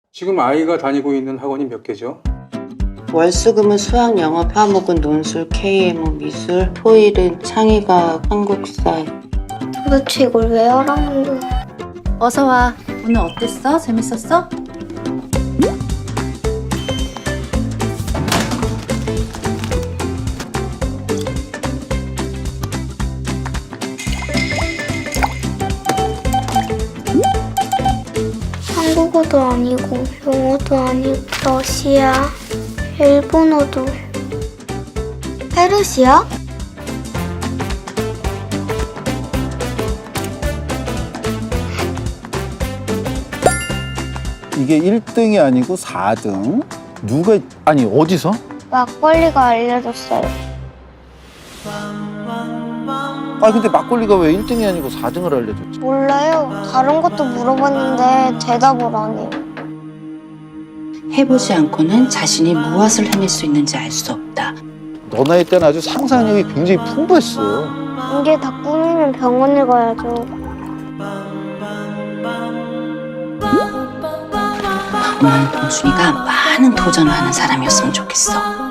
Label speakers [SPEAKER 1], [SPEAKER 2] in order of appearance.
[SPEAKER 1] 지금 아이가 다니고 있는 학원이 몇 개죠?
[SPEAKER 2] 월수금은 수학, 영어, 화목은 논술, KM, 미술, 토일은 창의과학, 한국사.
[SPEAKER 3] 도대체 이걸 왜 하라는 거야?
[SPEAKER 4] 어서 와. 오늘 어땠어? 재밌었어?
[SPEAKER 3] 한국어도 아니고 영어도 아니고 러시아, 일본어도 페르시아?
[SPEAKER 5] 이게 1등이 아니고 4등? 누가, 아니, 어디서?
[SPEAKER 3] 막걸리가 알려줬어요.
[SPEAKER 5] 아, 근데 막걸리가 왜 1등이 아니고 4등을 알려줬지?
[SPEAKER 3] 몰라요. 다른 것도 물어봤는데 대답을 안 해요.
[SPEAKER 2] 해보지 않고는 자신이 무엇을 해낼 수 있는지 알 수 없다.
[SPEAKER 5] 너 나이 때는 아주 상상력이 굉장히 풍부했어.
[SPEAKER 3] 이게 다 꿈이면 병원을 가야죠.
[SPEAKER 2] 오늘 동순이가 많은 도전을 하는 사람이었으면 좋겠어.